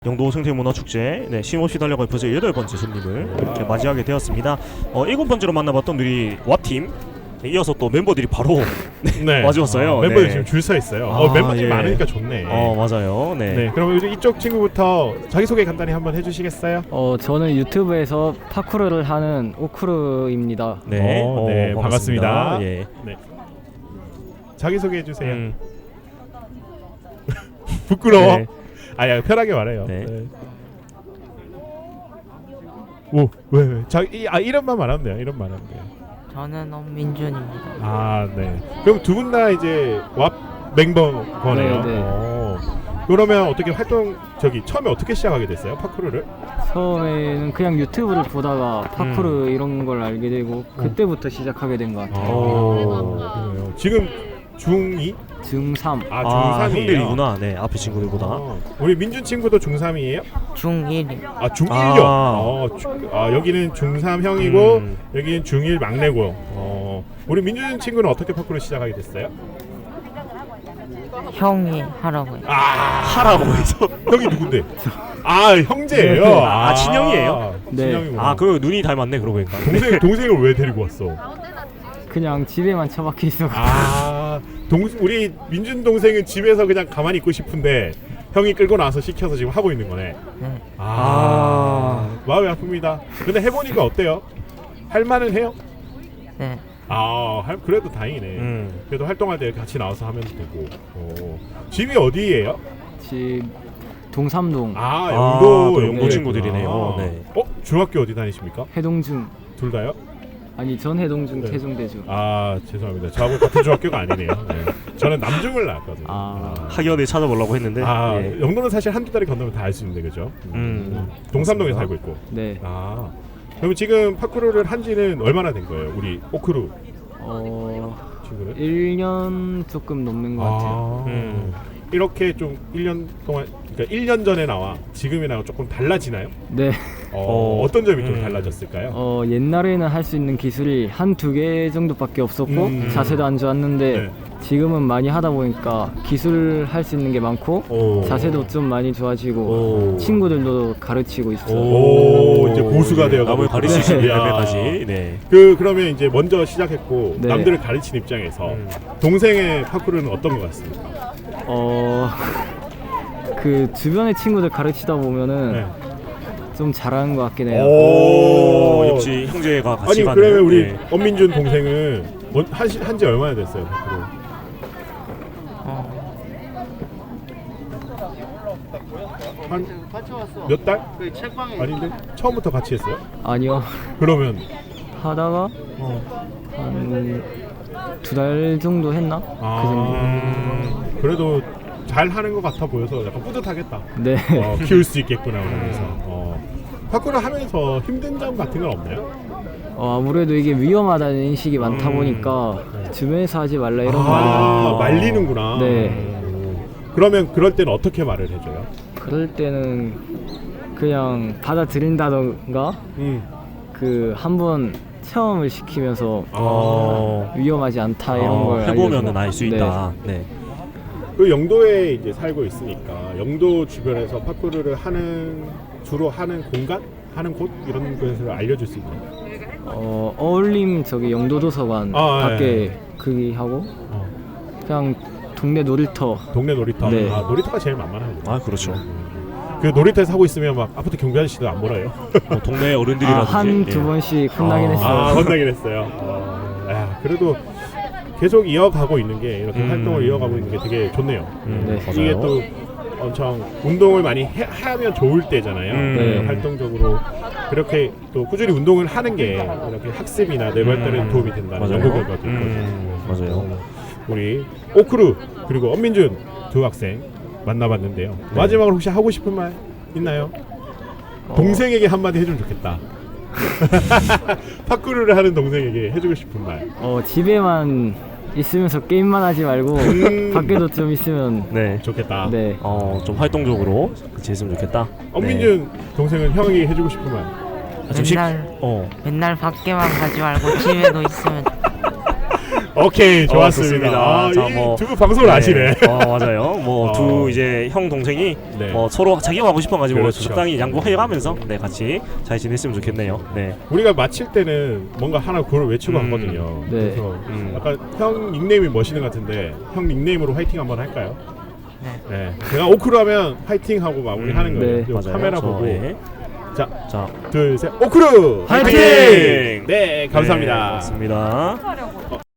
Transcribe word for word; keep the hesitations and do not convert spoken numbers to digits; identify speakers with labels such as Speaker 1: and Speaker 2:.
Speaker 1: 영도 생태문화축제 네, 쉼없이 달려갈 벌써 여덟 번째 손님을 이렇게 맞이하게 되었습니다. 어, 일곱 번째로 만나봤던 우리 와팀 네, 이어서 또 멤버들이 바로 네, 맞이왔어요.
Speaker 2: 아, 멤버들
Speaker 1: 네.
Speaker 2: 지금 줄 서 있어요.
Speaker 1: 아,
Speaker 2: 어, 멤버들이
Speaker 1: 예.
Speaker 2: 많으니까 좋네.
Speaker 1: 어 맞아요. 네.
Speaker 2: 네, 그럼 이쪽 친구부터 자기소개 간단히 한번 해주시겠어요?
Speaker 3: 어 저는 유튜브에서 파쿠르를 하는 오쿠르입니다.
Speaker 1: 네,
Speaker 2: 어, 네, 반갑습니다.
Speaker 1: 예.
Speaker 2: 네. 자기소개 해주세요.
Speaker 1: 음,
Speaker 2: 부끄러워.
Speaker 1: 네.
Speaker 2: 아야 편하게 말해요.
Speaker 1: 네.
Speaker 2: 네. 오, 왜 왜? 자, 이, 아 이름만 말하면 돼요. 이름 말하면 돼요.
Speaker 4: 저는 엄민준입니다.
Speaker 2: 아, 네. 그럼 두 분 다 이제 왑 멤버 거네요.
Speaker 3: 네, 네.
Speaker 2: 오. 그러면 어떻게 활동 저기 처음에 어떻게 시작하게 됐어요? 파쿠르를?
Speaker 3: 처음에는 그냥 유튜브를 보다가 파쿠르
Speaker 1: 음.
Speaker 3: 이런 걸 알게 되고 그때부터 시작하게 된 것 같아요.
Speaker 2: 오. 그래요. 지금 중이?
Speaker 3: 중삼.
Speaker 2: 아,
Speaker 1: 아,
Speaker 2: 중삼이에요.
Speaker 1: 형들이구나. 네, 앞에 친구들보다.
Speaker 2: 어. 우리 민준 친구도 중삼이에요?
Speaker 4: 중일이.
Speaker 2: 아, 중일요.
Speaker 1: 아.
Speaker 2: 어, 중, 아, 여기는 중삼 형이고
Speaker 1: 음.
Speaker 2: 여기는 중일 막내고. 어. 우리 민준 친구는 어떻게 파쿠르 시작하게 됐어요?
Speaker 4: 형이 하라고요.
Speaker 2: 아,
Speaker 1: 하라고 해서.
Speaker 2: 형이 누군데? 아, 형제예요.
Speaker 1: 아, 친형이에요?
Speaker 3: 네.
Speaker 2: 친형이구나.
Speaker 1: 아, 그 눈이 닮았네 그러고 보니까.
Speaker 2: 동생 동생을 왜 데리고 왔어?
Speaker 3: 그냥 집에만 처박혀 있어.
Speaker 2: 아, 동 우리 민준 동생은 집에서 그냥 가만히 있고 싶은데 형이 끌고 나서 시켜서 지금 하고 있는 거네.
Speaker 4: 네.
Speaker 2: 아, 마음이 아픕니다. 근데 해보니까 어때요? 할만은 해요?
Speaker 4: 네.
Speaker 2: 아, 할, 그래도 다행이네.
Speaker 1: 음.
Speaker 2: 그래도 활동할 때 같이 나와서 하면 되고. 어. 집이 어디예요?
Speaker 3: 집 동삼동
Speaker 2: 아,
Speaker 1: 아,
Speaker 2: 영도
Speaker 1: 또 영도
Speaker 2: 영도구나.
Speaker 1: 친구들이네요. 네.
Speaker 2: 어, 중학교 어디 다니십니까?
Speaker 3: 해동중.
Speaker 2: 둘 다요?
Speaker 3: 아니 전 해동중
Speaker 2: 네.
Speaker 3: 태중대중.
Speaker 2: 아, 죄송합니다. 저하고 같은 중학교가 아니네요. 네. 저는 남중을 나왔거든요.
Speaker 3: 아.
Speaker 1: 학연을 찾아보려고 했는데.
Speaker 2: 아,
Speaker 1: 예.
Speaker 2: 영도는 사실 한두 다리 건너면 다 알 수 있는데, 그죠?
Speaker 1: 음.
Speaker 2: 동삼동에
Speaker 1: 맞습니다.
Speaker 2: 살고 있고.
Speaker 3: 네.
Speaker 2: 아, 그럼 지금 파쿠르를 한 지는 얼마나 된 거예요? 우리 오크루
Speaker 3: 어
Speaker 2: 친구는?
Speaker 3: 일 년 조금 넘는 것 같아요.
Speaker 2: 아,
Speaker 1: 음.
Speaker 2: 이렇게 좀 일 년 동안, 그러니까 일 년 전에 나와 지금이랑 조금 달라지나요?
Speaker 3: 네.
Speaker 2: 어,
Speaker 1: 어,
Speaker 2: 어떤 점이 좀
Speaker 1: 음.
Speaker 2: 달라졌을까요?
Speaker 3: 어 옛날에는 할 수 있는 기술이 한 두 개 정도밖에 없었고
Speaker 2: 음.
Speaker 3: 자세도 안 좋았는데
Speaker 2: 네.
Speaker 3: 지금은 많이 하다 보니까 기술 할 수 있는 게 많고
Speaker 2: 오.
Speaker 3: 자세도 좀 많이 좋아지고
Speaker 1: 오.
Speaker 3: 친구들도 가르치고 있어요.
Speaker 2: 오, 이제 고수가 되어가고
Speaker 1: 남을 가르치시는
Speaker 2: 있구나.
Speaker 1: 레벨까지. 네.
Speaker 2: 그 그러면 이제 먼저 시작했고
Speaker 3: 네.
Speaker 2: 남들을 가르치는 입장에서
Speaker 1: 음.
Speaker 2: 동생의 파쿠르는 어떤 것 같습니까?
Speaker 3: 어, 그 주변의 친구들 가르치다 보면은
Speaker 2: 네.
Speaker 3: 좀 잘하는 것 같긴 해요.
Speaker 1: 오, 역시 형제가 같이
Speaker 2: 아니
Speaker 1: 가는.
Speaker 2: 그러면 우리
Speaker 1: 네.
Speaker 2: 엄민준 동생은 뭐, 한지 한지 얼마나 됐어요? 파쿠르?
Speaker 4: 어,
Speaker 2: 한 몇 달? 아닌데 처음부터 같이 했어요?
Speaker 3: 아니요.
Speaker 2: 그러면
Speaker 3: 하다가
Speaker 2: 어.
Speaker 3: 한 두 달 정도 했나? 그 정도.
Speaker 2: 아,
Speaker 1: 음.
Speaker 2: 그래도 잘 하는 것 같아 보여서 약간 뿌듯하겠다.
Speaker 3: 네.
Speaker 2: 어, 키울 수 있겠구나 그러면서. 어. 파쿠르 하면서 힘든 점 같은 건 없나요?
Speaker 3: 어, 아무래도 이게 위험하다는 인식이 많다
Speaker 1: 음.
Speaker 3: 보니까 주변에서 하지 말라 이런
Speaker 2: 아,
Speaker 3: 말이
Speaker 2: 말리는구나.
Speaker 3: 네.
Speaker 2: 오. 그러면 그럴 때는 어떻게 말을 해줘요?
Speaker 3: 그럴 때는 그냥 받아들인다던가
Speaker 2: 음.
Speaker 3: 그 한번 체험을 시키면서
Speaker 1: 어.
Speaker 3: 위험하지 않다 이런
Speaker 1: 어,
Speaker 3: 걸
Speaker 1: 해보면은
Speaker 3: 알려주고.
Speaker 1: 알 수
Speaker 3: 네.
Speaker 1: 있다. 네.
Speaker 2: 그 영도에 이제 살고 있으니까 영도 주변에서 파쿠르를 하는 주로 하는 공간, 하는 곳 이런 것을 알려줄 수 있나요?
Speaker 3: 어, 어울림 저기 영도도서관
Speaker 2: 아,
Speaker 3: 밖에
Speaker 2: 예.
Speaker 3: 그기 하고
Speaker 2: 어.
Speaker 3: 그냥 동네 놀이터.
Speaker 2: 동네 놀이터.
Speaker 3: 네.
Speaker 2: 아, 놀이터가 제일 만만하죠.
Speaker 1: 아 그렇죠.
Speaker 2: 그 놀이터에서 하고 있으면 막 아파트 경비 아저씨도 안 몰아요.
Speaker 1: 뭐 동네
Speaker 3: 아,
Speaker 1: 어른들이라든지.
Speaker 3: 한 두
Speaker 1: 예.
Speaker 3: 번씩 혼나긴
Speaker 1: 아,
Speaker 3: 했어요.
Speaker 2: 아, 혼나긴 했어요. 어, 야, 그래도 계속 이어가고 있는 게 이렇게
Speaker 1: 음.
Speaker 2: 활동을 이어가고 있는 게 되게 좋네요.
Speaker 1: 음,
Speaker 3: 네.
Speaker 1: 맞아요.
Speaker 2: 이게 또 엄청 운동을 많이 해, 하면 좋을 때잖아요.
Speaker 1: 음.
Speaker 3: 네.
Speaker 2: 활동적으로 그렇게 또 꾸준히 운동을 하는 게 이렇게 학습이나 뇌 발달에
Speaker 1: 음.
Speaker 2: 도움이 된다는
Speaker 1: 맞아요.
Speaker 2: 연구 결과도 있거든요.
Speaker 1: 음, 맞아요.
Speaker 2: 우리 오크루 그리고 엄민준 두 학생 만나봤는데요.
Speaker 1: 네.
Speaker 2: 마지막으로 혹시 하고 싶은 말 있나요?
Speaker 3: 어.
Speaker 2: 동생에게 한마디 해주면 좋겠다. 파쿠르를 하는 동생에게 해주고 싶은 말.
Speaker 3: 어, 집에만 있으면서 게임만 하지 말고
Speaker 2: 음.
Speaker 3: 밖에도 좀 있으면
Speaker 1: 네.
Speaker 2: 좋겠다.
Speaker 3: 네.
Speaker 1: 어, 좀 활동적으로 같이 했으면 좋겠다.
Speaker 2: 엄민준 동생은 형이 해주고 싶은 말.
Speaker 1: 네. 좀 식-
Speaker 4: 맨날
Speaker 1: 어.
Speaker 4: 맨날 밖에만 가지 말고 집에도 있으면
Speaker 2: 오케이,
Speaker 1: 어,
Speaker 2: 좋았습니다.
Speaker 1: 좋습니다.
Speaker 2: 아,
Speaker 1: 자, 뭐,
Speaker 2: 두분 방송을 아시네.
Speaker 1: 어, 맞아요. 뭐 두
Speaker 2: 어.
Speaker 1: 이제 형 동생이
Speaker 2: 네.
Speaker 1: 어, 서로 자기가 하고 싶어가지고
Speaker 2: 그렇죠.
Speaker 1: 적당히 양보해가면서 네 같이 잘 지냈으면 좋겠네요. 네.
Speaker 2: 우리가 마칠 때는 뭔가 하나 그걸 외치고
Speaker 1: 음.
Speaker 2: 왔거든요.
Speaker 3: 네.
Speaker 2: 그래서
Speaker 1: 음.
Speaker 2: 약간 형 닉네임이 멋있는 것 같은데 형 닉네임으로 화이팅 한번 할까요?
Speaker 4: 네.
Speaker 2: 네. 제가 오크루 하면 화이팅 하고 마무리하는
Speaker 1: 음,
Speaker 2: 거예요.
Speaker 3: 네.
Speaker 2: 요
Speaker 1: 맞아요.
Speaker 2: 카메라
Speaker 1: 저,
Speaker 2: 보고
Speaker 1: 예.
Speaker 2: 자,
Speaker 1: 자,
Speaker 2: 둘, 셋, 오크루
Speaker 1: 화이팅!
Speaker 2: 네, 감사합니다.
Speaker 1: 네, 고맙습니다.